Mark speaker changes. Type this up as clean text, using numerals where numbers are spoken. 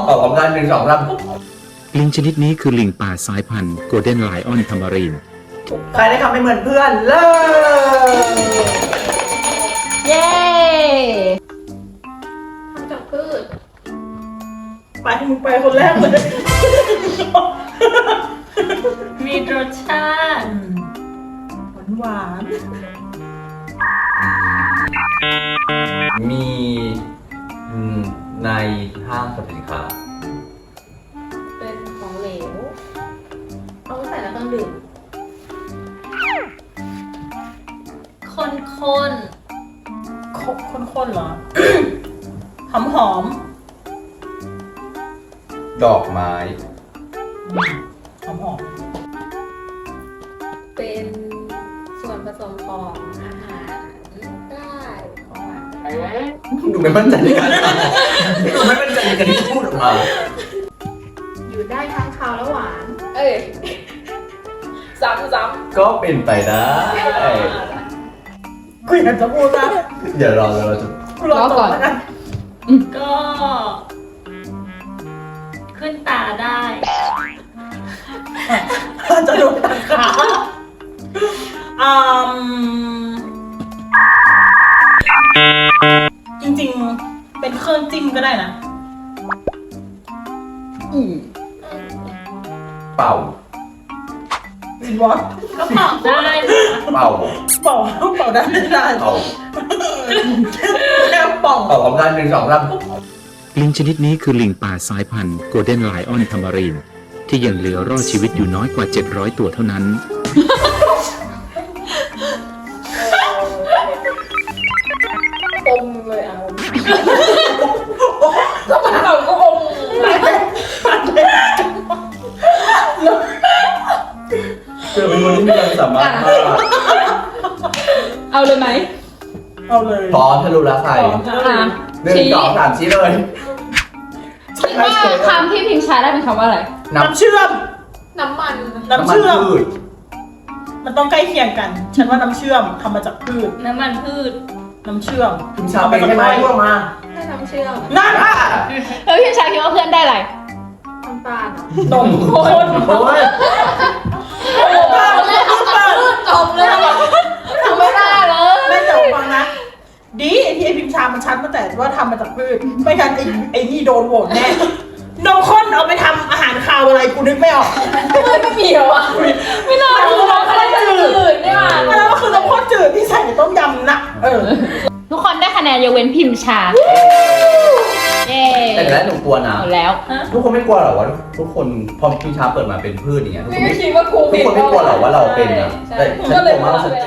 Speaker 1: ออกกำลังกาย1 2 3
Speaker 2: ลิงชนิดนี้คือลิงป่าสายพันธุ์โกลเด้นไลออนทามารีน
Speaker 1: ใครได้คำไม่เหมือนเพื่อนเลิก
Speaker 3: เย้
Speaker 4: ทำจากพืช
Speaker 5: ไปมึงไปคนแรกเลย
Speaker 3: มีรสชาติ
Speaker 5: หวาน
Speaker 1: มีในห้างสรรพสินค้า
Speaker 4: เป็นของเหลว เอาไว้ใส่ในเครื่องดื่ม
Speaker 3: คน
Speaker 5: ข้นๆเหรอ หอมหอม
Speaker 1: ดอกไม้
Speaker 5: หอมหอม
Speaker 4: เป็นส่วนผสมของอาหารได้ของหวานได้
Speaker 1: ดูไม่มั่นใจในการดูไม่มั่นใจในการที่พูดออกมา
Speaker 4: อยู่ได้ทั้งคาวและหวาน เอ้ย ซ้ำ
Speaker 1: ก็เป็นไปได้
Speaker 5: กูอยากจะพูดนะ
Speaker 1: เดี๋ยวเราจะ
Speaker 5: กูรอก่อนแล้วกัน
Speaker 3: ก็ ขึ้นตาได้
Speaker 5: จะโดนตัดขาจริงๆ เป็นเครื่องจิ้มก็ได้นะ
Speaker 1: เป่า
Speaker 5: จินวอต
Speaker 3: ก็เป่าได้นะ
Speaker 1: เป่า
Speaker 5: เป่าได้ไม่ได้
Speaker 1: เป่า
Speaker 5: แค่ป่อง
Speaker 1: ออกกำลังกาย1 2 3
Speaker 2: ลิงชนิดนี้คือลิงป่าสายพันธุ์โกลเด้นไลออนทามารีนที่ยังเหลือรอดชีวิตอยู่น้อยกว่า 700 ตัวเท่านั้น
Speaker 4: อมเลยอ่ะก็มันเราก็อม
Speaker 1: เธอเป็นคนที่มีความสามารถมาก
Speaker 3: เอาเลยไหม
Speaker 5: เอาเลย
Speaker 1: พร้อมทะลุแล้วใคร
Speaker 3: อ่ะ
Speaker 1: 1 2 3ชี้เลย
Speaker 3: คิดว่าคำที่พิมพ์ใช้ได้เป็นคำว่าอะไร
Speaker 1: น้
Speaker 5: น้ำเชื่อม
Speaker 4: น้ำมัน
Speaker 1: ำ
Speaker 5: น้ำเชื่อม
Speaker 1: พืช
Speaker 5: มันต้องใกล้เคียงกัน ฉันว่าน้ำเชื่อมทำมาจากพืช
Speaker 3: น้ำมันพืช
Speaker 5: น้ำเชื่อม
Speaker 1: คุณชาเป็นใช่ไหมพูดมา
Speaker 4: ได้น้ำเชื่อม
Speaker 5: นั่น
Speaker 1: อ่ะ
Speaker 3: แล้วพิมพ์ใช้คิดว่าเพื่อนได้อะไร
Speaker 4: น้ำตาลอ่ะ
Speaker 5: นมข้น
Speaker 1: โอ้ย
Speaker 4: จบเลยทำไม่ได้เลย
Speaker 5: ไม่แต่ฟังนะ ดีที่ไอพิมพ์ชามันชัดตั้งแต่ว่าทำมาจากพืช ไม่งั้นไอ้นี่โดนโหวตแน่ นมข้นเอาไปทำอาหารคาวอะไรกูนึกไม่ออก
Speaker 4: ไม่มีเหรอวะ
Speaker 3: ไม่น่ารู้ว่าอะไรจืดนี่หว่า
Speaker 5: อันนั้นก็คือนมข้นจืดที่ใส่ในต้มยำนะ
Speaker 3: ทุกคนได้คะแนนยกเว้นพิมพ์ชา เย้
Speaker 1: แต่แล้วหนูกลัวนะ
Speaker 3: เอาแล้ว
Speaker 1: ทุกคนไม่กลัวหรอว่าทุกคนพอพี่ชาเปิดมาเป็นพืชอย่างเงี้ยทุกคน
Speaker 4: ไม่คิดว่าครู
Speaker 1: ทุกคนไม่กลัวหรอว่าเราเป็นนะแต่ฉันกลัวมาก